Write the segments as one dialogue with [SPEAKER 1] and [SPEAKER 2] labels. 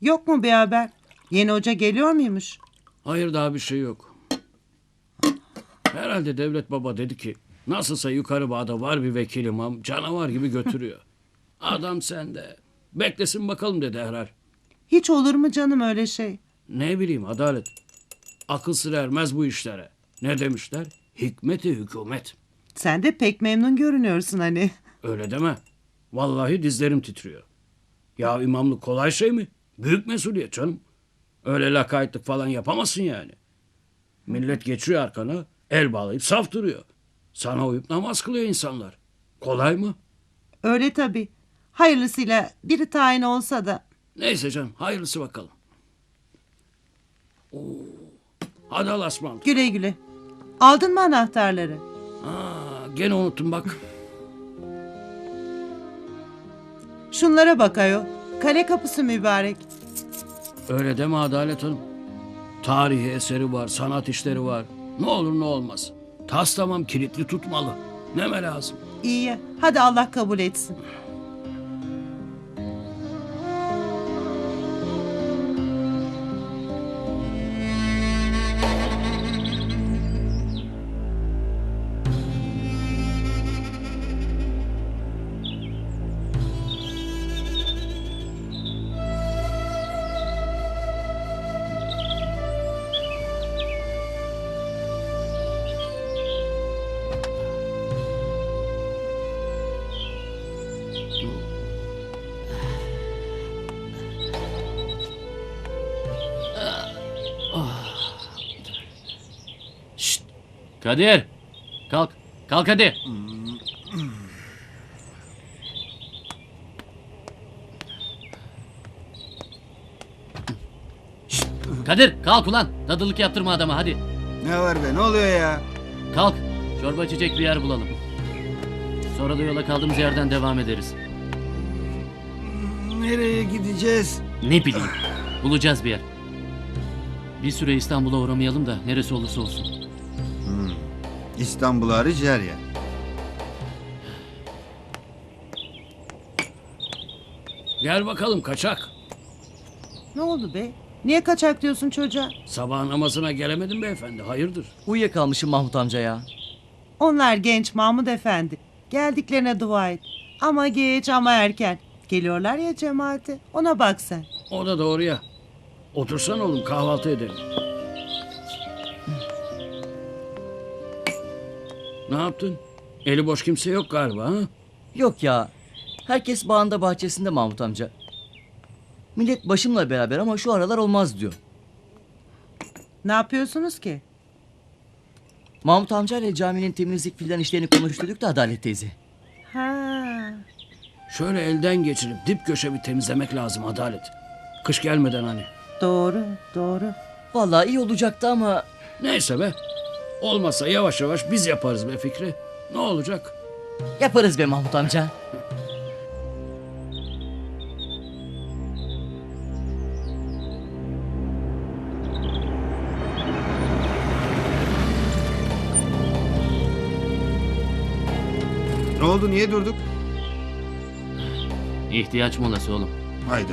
[SPEAKER 1] Yok mu bir haber? Yeni hoca geliyor muymuş?
[SPEAKER 2] Hayır, daha bir şey yok. Herhalde devlet baba dedi ki nasılsa yukarı bağda var bir vekil imam, canavar gibi götürüyor. Adam sende. Beklesin bakalım dedi herhal.
[SPEAKER 1] Hiç olur mu canım öyle şey?
[SPEAKER 2] Ne bileyim Adalet. Akıl sır ermez bu işlere. Ne demişler? Hikmeti hükümet.
[SPEAKER 1] Sen de pek memnun görünüyorsun hani.
[SPEAKER 2] Öyle deme. Vallahi dizlerim titriyor. Ya imamlık kolay şey mi? Büyük mesuliyet canım. Öyle lakaytlık falan yapamazsın yani. Millet geçiyor arkana, el bağlayıp saf duruyor. Sana uyup namaz kılıyor insanlar. Kolay mı?
[SPEAKER 1] Öyle tabii. Hayırlısıyla biri tayin olsa da.
[SPEAKER 2] Neyse canım, hayırlısı bakalım. Oo. Hadi Allah'a ısmarladık.
[SPEAKER 1] Güle güle. Aldın mı anahtarları?
[SPEAKER 2] Gene unuttum bak.
[SPEAKER 1] Şunlara bak ayol. Kale kapısı mübarek.
[SPEAKER 2] Öyle deme Adalet Hanım. Tarihi eseri var, sanat işleri var. Ne olur ne olmaz. Tas tamam kilitli tutmalı. Neme lazım?
[SPEAKER 1] İyi ya. Hadi Allah kabul etsin.
[SPEAKER 3] Kadir! Kalk. Kalk hadi. Şşt! Kadir kalk ulan. Dadılık yaptırma adama hadi.
[SPEAKER 4] Ne var be, ne oluyor ya?
[SPEAKER 3] Kalk. Çorba içecek bir yer bulalım. Sonra da yola kaldığımız yerden devam ederiz.
[SPEAKER 4] Nereye gideceğiz?
[SPEAKER 3] Ne bileyim. Bulacağız bir yer. Bir süre İstanbul'a uğramayalım da neresi olursa olsun.
[SPEAKER 4] İstanbul hariç her yer.
[SPEAKER 2] Gel bakalım kaçak.
[SPEAKER 1] Ne oldu be? Niye kaçak diyorsun çocuğa?
[SPEAKER 2] Sabah namazına gelemedim beyefendi. Hayırdır?
[SPEAKER 5] Uyuyakalmışım Mahmut amca ya.
[SPEAKER 1] Onlar genç Mahmud Efendi. Geldiklerine dua et. Ama geç ama erken. Geliyorlar ya cemaate. Ona bak sen.
[SPEAKER 2] O da doğru ya. Otursan oğlum kahvaltı edelim. Ne yaptın? Eli boş kimse yok galiba ha?
[SPEAKER 5] Yok ya. Herkes bağında bahçesinde Mahmut amca. Millet başımla beraber ama şu aralar olmaz diyor.
[SPEAKER 1] Ne yapıyorsunuz ki?
[SPEAKER 5] Mahmut amca ile caminin temizlik filan işlerini konuşturduk da Adalet teyze.
[SPEAKER 1] Ha.
[SPEAKER 2] Şöyle elden geçirip dip köşe bir temizlemek lazım Adalet. Kış gelmeden hani.
[SPEAKER 1] Doğru, doğru.
[SPEAKER 5] Vallahi iyi olacaktı ama
[SPEAKER 2] Neyse be. Olmazsa yavaş yavaş biz yaparız be Fikri. Ne olacak?
[SPEAKER 5] yaparız be Mahmut amca.
[SPEAKER 4] Ne oldu, niye durduk?
[SPEAKER 3] İhtiyaç molası oğlum.
[SPEAKER 4] Hayda.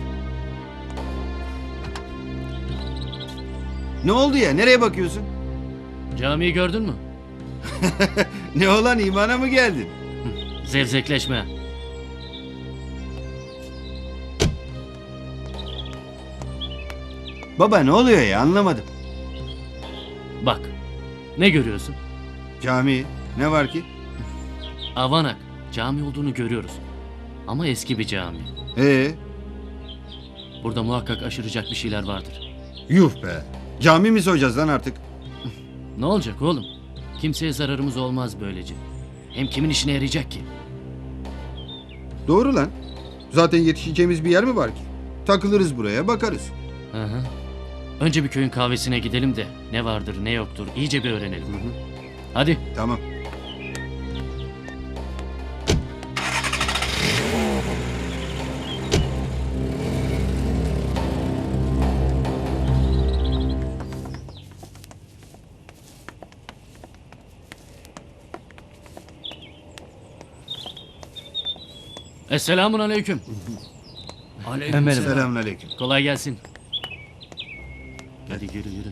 [SPEAKER 4] Ne oldu ya, nereye bakıyorsun?
[SPEAKER 3] Camiyi gördün mü?
[SPEAKER 4] Ne olan, imana mı geldin?
[SPEAKER 3] Zevzekleşme.
[SPEAKER 4] Baba ne oluyor ya, anlamadım.
[SPEAKER 3] Bak. Ne görüyorsun?
[SPEAKER 4] Cami, ne var ki?
[SPEAKER 3] Avanak. Cami olduğunu görüyoruz. Ama eski bir cami.
[SPEAKER 4] Ee,
[SPEAKER 3] Burada muhakkak aşıracak bir şeyler vardır.
[SPEAKER 4] yuh be. Cami mi soyacağız lan artık?
[SPEAKER 3] Ne olacak oğlum? Kimseye zararımız olmaz böylece. Hem kimin işine yarayacak ki?
[SPEAKER 4] Doğru lan. Zaten yetişeceğimiz bir yer mi var ki? Takılırız buraya, bakarız.
[SPEAKER 3] Hı hı. Önce bir köyün kahvesine gidelim de ne vardır ne yoktur iyice bir öğrenelim. Hadi.
[SPEAKER 4] Tamam.
[SPEAKER 3] Esselamun aleyküm.
[SPEAKER 2] Aleykümselam.
[SPEAKER 4] Selamünaleyküm.
[SPEAKER 3] Kolay gelsin. Hadi yürü yürü.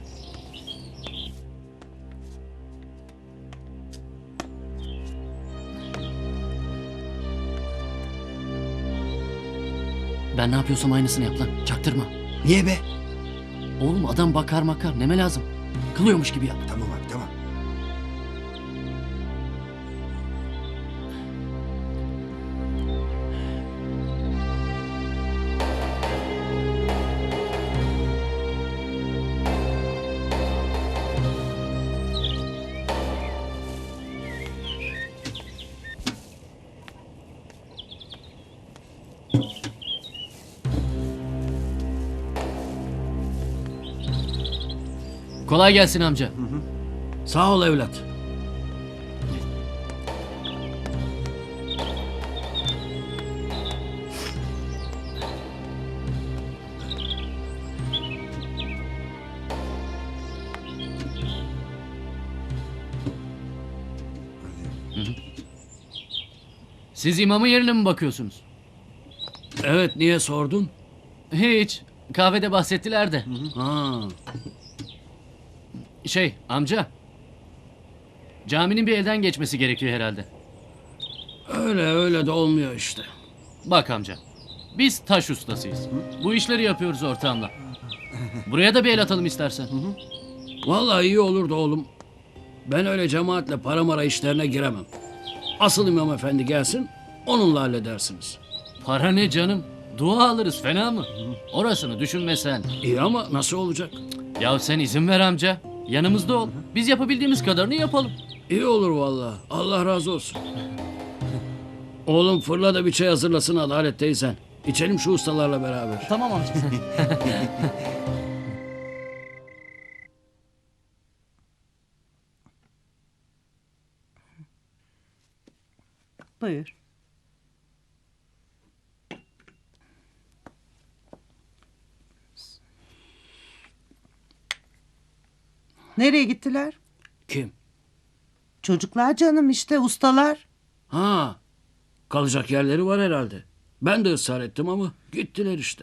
[SPEAKER 3] Ben ne yapıyorsam aynısını yap lan. Çaktırma.
[SPEAKER 4] Niye be?
[SPEAKER 3] Oğlum adam bakar makar. Neme lazım? Kılıyormuş gibi yap.
[SPEAKER 4] Tamam abi tamam.
[SPEAKER 3] Kolay gelsin amca.
[SPEAKER 2] Sağ ol evlat.
[SPEAKER 3] Siz imamın yerine mi bakıyorsunuz?
[SPEAKER 2] Evet, niye sordun?
[SPEAKER 3] Hiç. Kahvede bahsettiler de.
[SPEAKER 2] Ha,
[SPEAKER 3] Amca. Caminin bir elden geçmesi gerekiyor herhalde.
[SPEAKER 2] öyle de olmuyor işte.
[SPEAKER 3] Bak amca. Biz taş ustasıyız. Bu işleri yapıyoruz ortağımla. Buraya da bir el atalım istersen.
[SPEAKER 2] Vallahi iyi olurdu oğlum. Ben öyle cemaatle para mara işlerine giremem. Asıl imam efendi gelsin, onunla halledersiniz.
[SPEAKER 3] Para ne canım? Dua alırız, fena mı? Orasını düşünme sen.
[SPEAKER 2] İyi ama nasıl olacak?
[SPEAKER 3] Ya sen izin ver amca. Yanımızda ol. Biz yapabildiğimiz kadarını yapalım.
[SPEAKER 2] İyi olur vallahi. Allah razı olsun. Oğlum fırla da bir çay hazırlasın Adalet teyzen. İçelim şu ustalarla beraber.
[SPEAKER 3] Tamam amca.
[SPEAKER 1] Buyur. Nereye gittiler?
[SPEAKER 2] Kim?
[SPEAKER 1] Çocuklar canım işte ustalar.
[SPEAKER 2] Ha, kalacak yerleri var herhalde. Ben de ısrar ettim ama gittiler işte.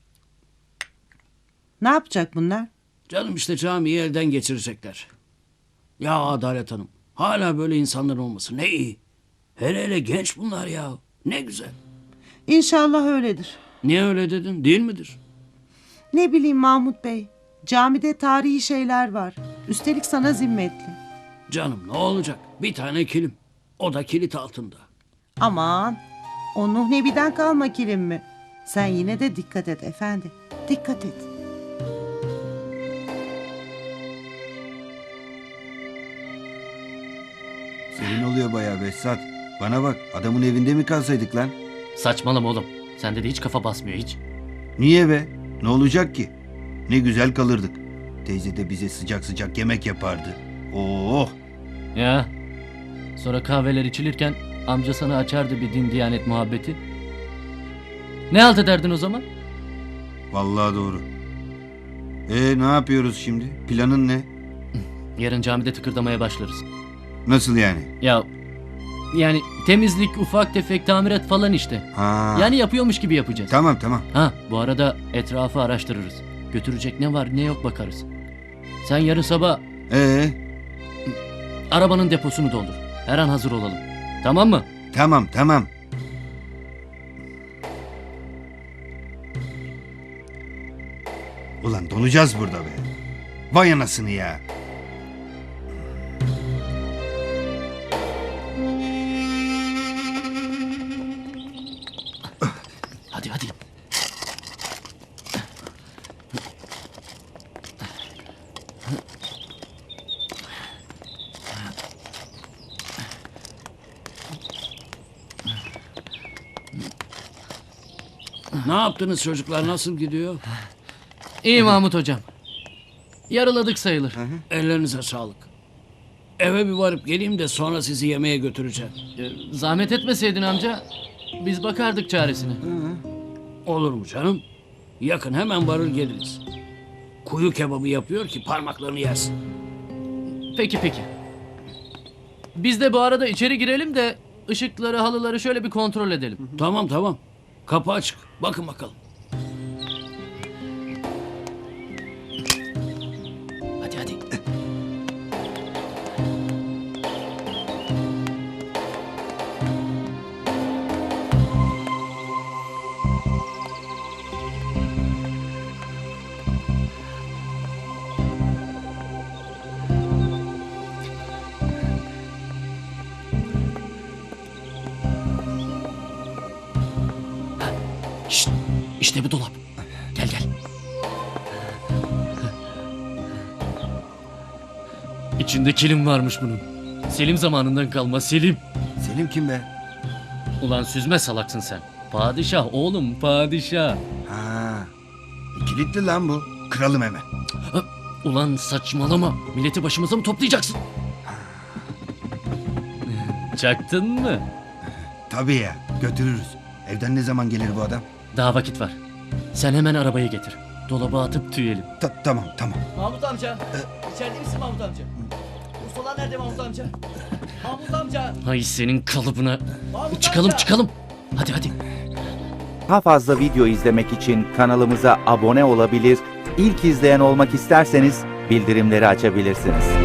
[SPEAKER 1] Ne yapacak bunlar?
[SPEAKER 2] Canım işte camiyi elden geçirecekler. Ya Adalet Hanım, hala böyle insanlar olması ne iyi. Hele genç bunlar ya. Ne güzel.
[SPEAKER 1] İnşallah öyledir.
[SPEAKER 2] Niye öyle dedin? Değil midir?
[SPEAKER 1] Ne bileyim Mahmut Bey. Camide tarihi şeyler var. Üstelik sana zimmetli.
[SPEAKER 2] Canım ne olacak? Bir tane kilim. O da kilit altında.
[SPEAKER 1] Aman. O Nuh Nebi'den kalma kilim mi? Sen yine de dikkat et efendi. Dikkat et.
[SPEAKER 4] Senin oluyor bayağı Behzat. Bana bak adamın evinde mi kalsaydık lan?
[SPEAKER 3] Saçmalama oğlum. Sende de hiç kafa basmıyor hiç.
[SPEAKER 4] Niye be? Ne olacak ki? Ne güzel kalırdık. Teyze de bize sıcak sıcak yemek yapardı. Oh!
[SPEAKER 3] Ya. Sonra kahveler içilirken amca sana açardı bir din diyanet muhabbeti. Ne halt ederdin o zaman?
[SPEAKER 4] Vallahi doğru. Ne yapıyoruz şimdi? Planın ne?
[SPEAKER 3] Yarın camide tıkırdamaya başlarız.
[SPEAKER 4] Nasıl yani?
[SPEAKER 3] Ya yani temizlik, ufak tefek tamirat falan işte.
[SPEAKER 4] Ha.
[SPEAKER 3] Yani yapıyormuş gibi yapacağız.
[SPEAKER 4] Tamam tamam.
[SPEAKER 3] Ha, bu arada etrafı araştırırız. Götürecek ne var ne yok bakarız. Sen yarın sabah arabanın deposunu doldur. Her an hazır olalım. Tamam mı?
[SPEAKER 4] Tamam tamam. Ulan donacağız burada be. Vay anasını ya.
[SPEAKER 3] Hadi hadi.
[SPEAKER 2] Ne yaptınız çocuklar? Nasıl gidiyor?
[SPEAKER 3] İyi Mahmut hocam. Yarıladık sayılır.
[SPEAKER 2] Ellerinize sağlık. Eve bir varıp geleyim de sonra sizi yemeğe götüreceğim.
[SPEAKER 3] Zahmet etmeseydin amca. Biz bakardık çaresine.
[SPEAKER 2] Olur mu canım? Yakın hemen varır geliriz. Kuyu kebabı yapıyor ki parmaklarını yersin.
[SPEAKER 3] Peki peki. Biz de bu arada içeri girelim de ışıkları, halıları şöyle bir kontrol edelim.
[SPEAKER 2] Tamam. Kapı açık. Bakın bakalım.
[SPEAKER 3] Şşt, işte bu dolap. Gel gel. İçinde kilim varmış bunun. Selim zamanından kalma Selim.
[SPEAKER 4] Selim kim be?
[SPEAKER 3] Ulan süzme salaksın sen. Padişah oğlum padişah.
[SPEAKER 4] Ha. Kilitli lan bu. Kıralım hemen.
[SPEAKER 3] Ulan saçmalama. Milleti başımıza mı toplayacaksın? Çaktın mı?
[SPEAKER 4] Tabii ya. Götürürüz. Evden ne zaman gelir bu adam?
[SPEAKER 3] Daha vakit var. Sen hemen arabayı getir. Dolaba atıp tüyelim.
[SPEAKER 4] Tamam tamam.
[SPEAKER 5] Mahmut amca. İçeride misin Mahmut amca? Ustalar nerede Mahmut amca? Mahmut amca.
[SPEAKER 3] Hay senin kalıbına.
[SPEAKER 5] Mahmut
[SPEAKER 3] Çıkalım
[SPEAKER 5] amca.
[SPEAKER 3] çıkalım. Hadi hadi.
[SPEAKER 6] Daha fazla video izlemek için kanalımıza abone olabilir, ilk izleyen olmak isterseniz bildirimleri açabilirsiniz.